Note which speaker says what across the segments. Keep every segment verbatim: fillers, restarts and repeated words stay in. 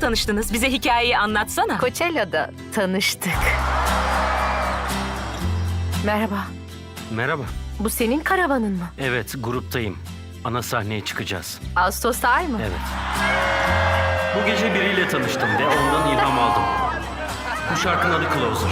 Speaker 1: tanıştınız? Bize hikayeyi anlatsana.
Speaker 2: Coachella'da tanıştık. Merhaba.
Speaker 3: Merhaba.
Speaker 2: Bu senin karavanın mı?
Speaker 3: Evet, gruptayım. Ana sahneye çıkacağız.
Speaker 2: Ağustos'ta ay mı?
Speaker 3: Evet. Bu gece biriyle tanıştım ve ondan ilham aldım. Bu şarkının adı Closer.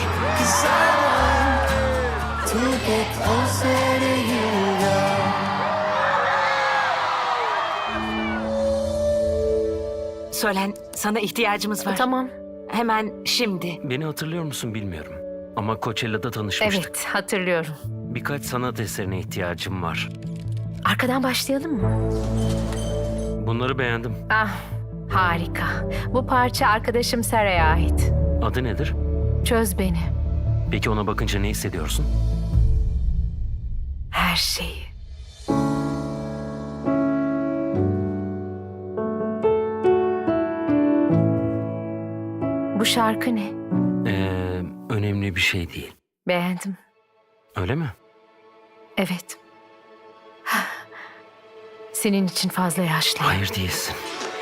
Speaker 1: Solen, sana ihtiyacımız var.
Speaker 2: Tamam.
Speaker 1: Hemen şimdi.
Speaker 3: Beni hatırlıyor musun bilmiyorum. Ama Coachella'da tanışmıştık.
Speaker 2: Evet, hatırlıyorum.
Speaker 3: Birkaç sanat eserine ihtiyacım var.
Speaker 2: Arkadan başlayalım mı?
Speaker 3: Bunları beğendim.
Speaker 2: Ah, harika. Bu parça arkadaşım Sarah'a ait.
Speaker 3: Adı nedir?
Speaker 2: Çöz beni.
Speaker 3: Peki ona bakınca ne hissediyorsun?
Speaker 2: Her şeyi. Bu şarkı ne?
Speaker 3: Ee, önemli bir şey değil.
Speaker 2: Beğendim.
Speaker 3: Öyle mi?
Speaker 2: Evet. Senin için fazla yaşlı.
Speaker 3: Hayır değilsin.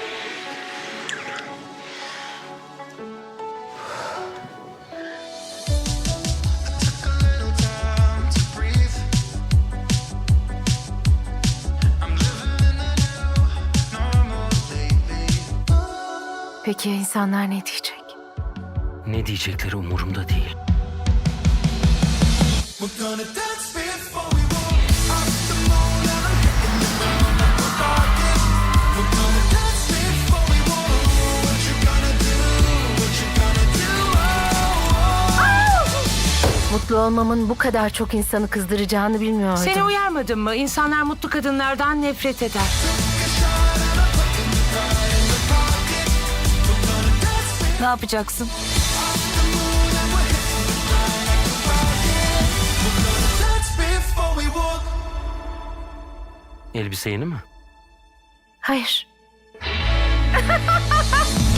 Speaker 2: Peki ya insanlar ne diyecek?
Speaker 3: Ne diyecekleri umurumda değil.
Speaker 4: We're gonna dance before we walk up the moon and I'm hitting the ground like a rocket. We're gonna dance before we walk. What you gonna do? What you gonna do?
Speaker 2: Mutlu olmamın bu kadar çok insanı kızdıracağını bilmiyordum.
Speaker 1: Seni uyarmadım mı? İnsanlar mutlu kadınlardan nefret eder. Ne yapacaksın?
Speaker 4: Dance before we walk.
Speaker 3: Elbise yeni mi?
Speaker 2: Hayır.